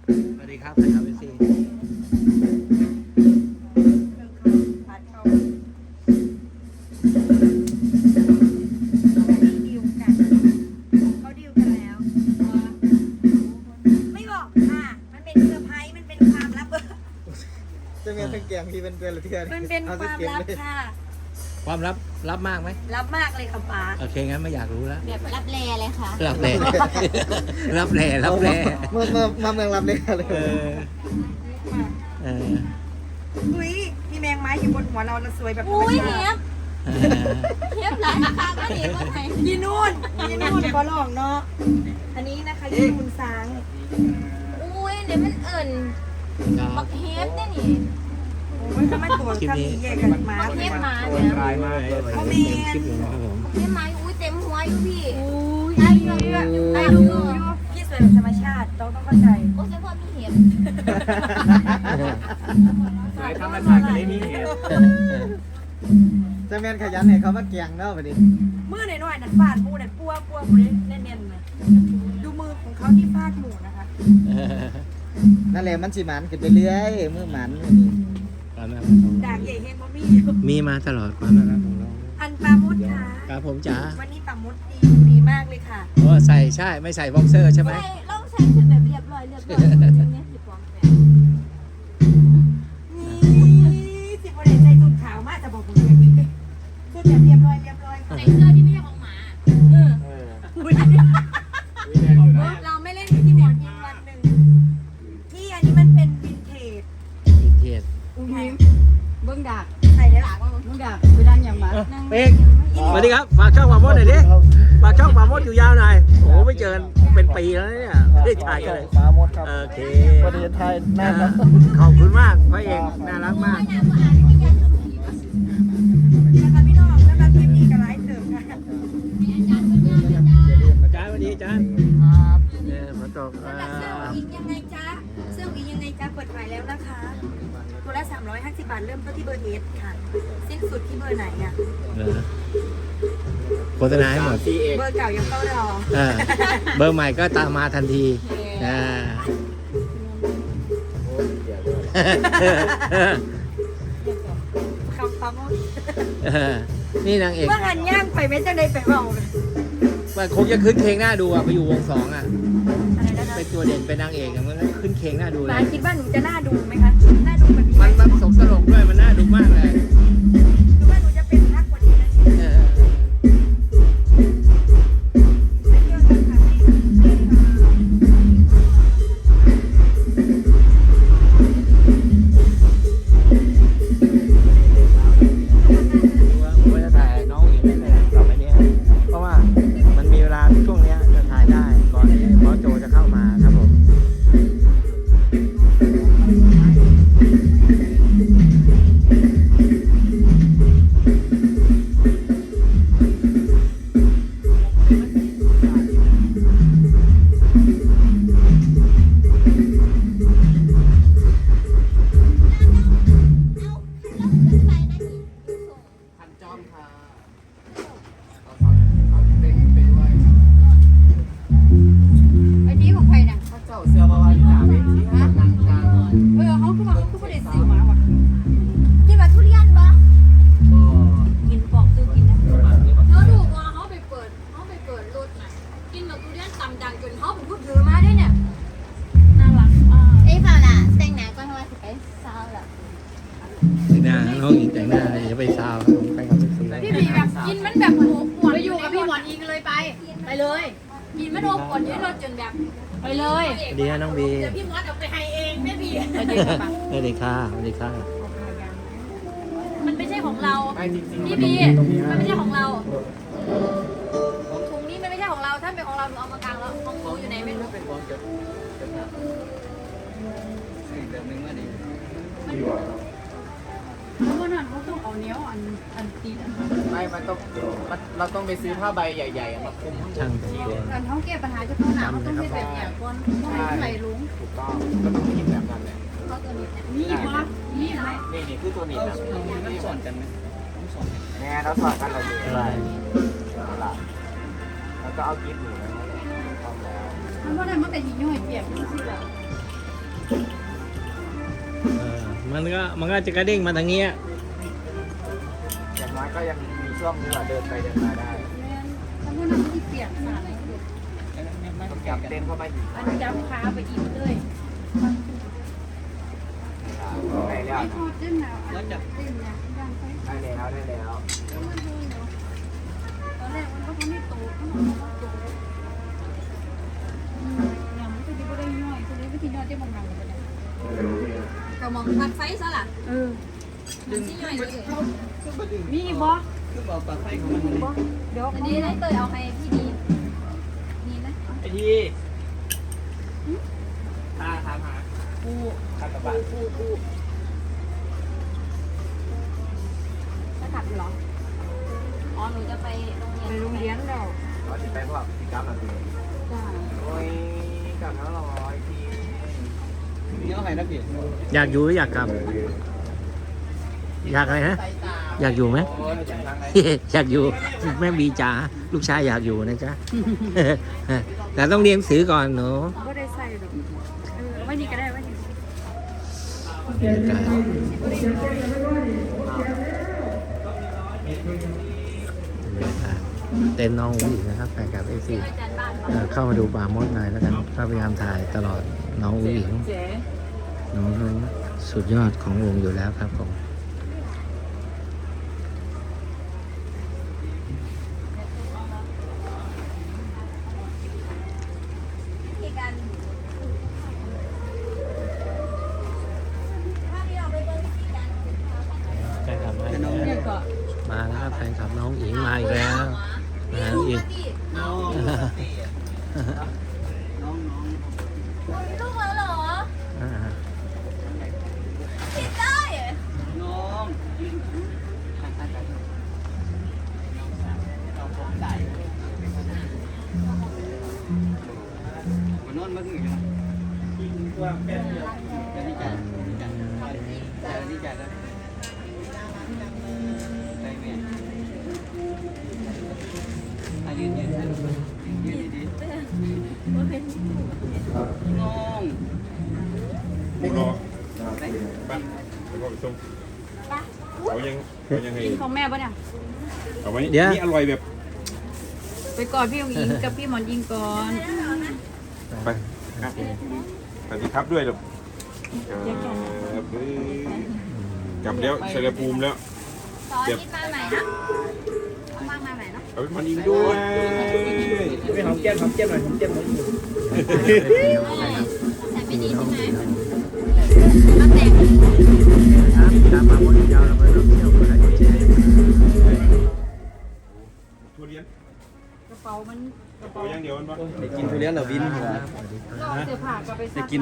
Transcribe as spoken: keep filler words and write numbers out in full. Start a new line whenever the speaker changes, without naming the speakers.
สวัสดีครับนะครับพี่ซี
ผัดเขาดิวกันเขาดิวกันแล้วไม่บอกค่ะมันเป็นเซอร์ไพรส์มันเป็นความลับ
จะมีทั้งแกงที่เป็นเดือนละเทือน
มันเป็นความลับค่ะ
ความลับรับมากไหม
ลับมากเลยค่ะป้า
โอเคงั้นไม่อยากรู้แล้ว
แบบรับแลเลยค่ะ
รับแร่ รับแร่รับแร่
เมื่อเมื่อมาเมืองรับเลยเลย
เออเออ
อุ้ยมีแมงไม้อยู่บนหัวเราเราสวยแบบธรรม
อุ้ย
ชา
เนี้ย
ติ
เนี้ยหลายราคาก็เห็นว่าไง
ยีนู่นยีนู่นขอลองเนาะอันนี้นะคะยีนูนซาง
อุ้ยเดี๋ยวมันเอิ่น
ครับ
บักเฮฟเนี่ยนี่
โอ้ยถ้ามันตัวถ้ามีแยกกันมา
บักเฮฟหมา
โอ้
เนี่ย
ยมากเลยเต็มคลิปเลยนะครับผม
บักเฮฟหมาอุ้ยเต็มหัวอยู่พี่
อุ้ย
ไอ้เยอะเยอะไอ้ลูกเยอะ
พี่สวยแบบธรรมชาติต้องต้องเข้าใจ
โอ้เฉพาะมีเห็บ
สายธรรมชาติก็ได้มีเหตุ
จะแมนขยันให้เขามาแกงเนาะวันนี้
มือหน่อยๆนั่นฟาดหมูนั่นปัวปัวหมูนี่แน่นๆเลยดูมือของเขาที่ฟาดหมูนะคะ
นั่นแหละมันสิหมันขึ้นไปเรื่อยมือหมันมื้อนี้
ความน่ารักของ
ด่า
เรา
งใหญ่เฮงบ่มีอยู่
มีมาตลอดความน่ารักของเรา
อันปลามุดค่ะ
ครับผมจ๋า
วันนี้ปลามุดดีดีมากเลยค่ะ
โอ้ใส่ใช่ไม่ใส่บ็อกเซอร์ใช่ไหม
ใช่เราใช้ชุดแบบเรียบร้อยเรียบร้อยเนี่ยสิบปอนด์แปด
นี่สิบวันใส่สุดขาวมากจะบอกผมเลยสุดแบบเรียบร้อยเรียบร้อยค่ะ
ใส่เสื้อที่ไม่ใช่ของหมาเออ
เออ
อุ๊ย
วิแดงอยู่นะ
เราไม่เล่นที่หมอนยิงวันหนึ่งที่อันนี้มันเป็นวินเทจ
อินเทส
อุ้ย
เบิ้งดาก
ใส่ได้
หลักว่า
เบิ้งดากไปด้านอย่างมา
เป๊กสวัสดีครับฝากช่องปามดหน่อยดิฝากช่องปามดอยู่ยาวหน่อยโอ้ไม่เจอเป็นปีแล้วเนี่ยไม่ได้ถ่ายกันเลย
ฟ้าหมดครับ
โอเค
ประเทศไทยน่ารัก
ขอบคุณมากพระเอกน่ารักมาก
นะคะพี่น้องนะคะคลิปนี้กับไลฟ์เสริมค่ะ
อาจารย์สวัสดีอาจารย์เนี่ยฝนตกอ่า
เสื้ออีกยังไงจ๊ะเสื้ออีกยังไงจ๊ะเปิดขายแล้วนะคะตัวละสามร้อยห้าสิบบาทเริ่มต้นที่เบอร์เอสค่ะสิ้นสุดที่เบอร์ไหนอ่ะ
เหรอโฆษณาให้หมด
ซีเอก
เบอร์เก่ายังเฝ้ารอ
อ่าเบอร์ใหม่ก็ตามมาทันทีอ่า
คำคำว่า
นี่นางเอก
เมื่อหันย่างไปไม่จังได้ไปเบาเลย
มันคงจะขึ้นเคงหน้าดูอ่ะไปอยู่วงสองอ่ะ
อะไรนะคะ
เป็นตัวเด่นเป็นนางเอกอ่ะมันขึ้นเคงหน้าดูเล
ปาย คิดว่าหนูจะน่าดูไหมคะน่าดูแบบนี้ไหม
มันมันสกสลกด้วยมันน่าดูมากเลย
หรือว่าหนูจะเป็นนักกว่านี้นะ
เออ
ไม่เที่ยวนะคะไม่
ผมว่าจะถ่ายน้องอีกนิดนึงต่อไปเนี้ยเพราะว่ามันมีเวลาช่วงเนี้ยจะถ่ายได้ก่อนที่หมอโจจะเข้ามาครับผม
พันจอมค่ะเอาเอาเป็นเป็นไว้
ไอ้นี้ของใครน่ะ
ถ้าเจ้าเสือมาวันหนาเวทีให้มันนั่งกลาง
เออเขาคือมาเขาคือประเด็นสื่อมาว่ะ
กินมาทุเรียนปะ
ก็
กินปอกซื้อกินนะ
ประมาณนี้
เขาถูกว่าเขาไปเปิดเขาไปเปิดรถน่ะกินมาทุเรียนตำดังจนเขาเป็นผู้ถือมาได้เนี่ยน่ารักอ่าเอ้ยฝ่าล่ะแต่งหน้าก่อนว่าสิไปเศร้าล่ะ
แต่งหน้าน้องอีกแต่งหน้าอย่าไปซาวครับผมไปกับพี่ซี
พี่บีแบบกินมันแบบโอ้ปวด
ไปอยู่กับพี่หมอนอิงเลยไป ไปเลย
กินมันโอ้ปวดเยอะเราจนแบบ
ไปเลย
สวัสดีฮะน้องบี
เดี๋ยวพี่มอสเอาไปให้เองแม่บี
ไปเจอกันปะ
สวัสดีค่ะสวัสดีค่ะ
มันไม่ใช่ของเรา
ไม่จริงๆ
พี่
มัน
บี
ตรงนี้
มัน
นะ
ไม่ใช่ของเราถุงนี้มันไม่ใช่ของเรา ถ้าเป็นของเราหนูเอามากางแล้วของหนูอยู่ไหนไม่รู้
เป็นความเกิดเกิดมาสิ่งเดิมนึงว่าดี
แล้ววันนั้นเขาต้องเอาเนี้ยอันอันตีนอัน
ไม่มันต้องมันเราต้องไปซื้อผ้าใบใหญ่ๆมาคลุมข้างบ
ช่าง
น
แต่งตัว
อันเขาแก้ปัญหาเฉพาะหน้าเขาต้องเป็นแบบอย่างก่อนต้องให้ไหลลุง
ถูกต้องก็ต้องคิดแบบนั้นแหละ
เขาตัวนี้
นี่ปะนี่ไหม
นี่นี่คือตัวนี้นะนี่สอนกันไหมแน่เราสอนกันเราอยู่
อะไร
แล้วก็เอากิ๊บอยู่นะต้องแล้ว
เพราะนั้นมันแต่หิ้งย่อยเปียกนี่สิล่ะ
เออมันก็มันก็จะกระเด้งมาทางเนี้ย
อย่างน้อยก็ยังมีช่วงที่เราเดินไปเดินมาได้
ถ้าพวกนั้นที่เปียกสาด
ต้องจับเต้นเข้าไปอีก
อันจับขาไปอีกเลย
ได้แล้ว
ไอ้ทอดเต้นหนาวอันเต้นนะย่างไป
ได้แล้วได้แล้ว
ตอนแรกมันก็ไม่โตมันก็โตอย่างมันก็จะไม่ได้ย่อยตัวนี้ไม่ที่ย่อยได้บางๆเลย
กระมองพัดไฟซะล่ะ
เออ
ดึงที่ย่อยเลย
มีบ่
คือบอกปากไฟของมัน
บ่เดี๋ยว
อันนี้ได้เตยเอาให้พี่ดีนี่นะ
ไอ้ทีตาถามหา
ปู
ข้ากระบะ
ปูปู
จะกลับเหรออ๋อหนูจะไปโรงเรีย
ไป
น
โรงเรียนแล้ว
เราจะไปพวกกิจกรรมอะไร
จ้า
โอ้ยกลับแล้วหรอไอ้ทีนี่เอาไงนะพี่
อยากอยู่หรืออยากกลับ อยากอะไรนะอยากอยู่ไหม
โอ้ยอย่างทางไหน
อยากอยู่แม่บีจ๋าลูกชายอยากอยู่นะจ๊ะ แต่ต้องเรียนหนังสือก่อนหนู
ก็ได้ใส่ดอกเออไว้นี่ก็ได้ไว้นี่
เต้นน้องอุ้งอิงนะครับแฟนคลับเอฟซี
อาจารย์บ้านบอก
เข้ามาดูป่ามดหน่อยแล้วกันก็พยายามถ่ายตลอดน้องอุ้งอิง
เจ๊
น้องเขาสุดยอดของวงอยู่แล้วครับผม
ที่การถ้าที่เราไปเบิ่งที่การ
แฟนคลับมาอีก
เนี่
แล้
ยว ก็
มาแล้วครับแฟนคลับน้องอิงมาอีกแล้วมาอีก
น้องน้องน้อง
มีลูกแล้วเหรอ
อ่า
คิดได้เหรอ
น้องมันนอนมาถึงยังว่าแป๊บเดียวจะนี่จ่ายจ่ายนี่จ่ายแล้วได้ไหมอ่ะยืนยืนยืนดีๆน้อง
บุรอไปไปพ่อไปส่งเขายังเขายังให้
กินของแม่ปะเนี่ย
เอาไว้นี่อร่อยแบบ
ไปกอดพี่องอิงกับพี่หมอนยิงก่อน
ไปอ่ะสวัสดีครับด้วยลูกครับกลับแล้วเชลภูมิแล้ว
ซอสที่มาใหม่นะเอามามาใหม่เนาะ
เอาไปมันอิงด้วย
ไม่หอมแก้มหอมแก้มหน่อยหอมแก้มหน่อย
แต่ไม่ดีใช่ไหมมาแต่ง
ครับตามมาหมดยาวเราไปร่วมเที่ยวกันแล้วเจ๊
ทุเรียน
กระเป๋ามันกระ
เอา
เป๋า
อย่างเดียวมันปะ
ไปกินทุเรียนเหรอวิน
ครับสวัสดีครับ
เราเสื้อผ้าก็ไปซัก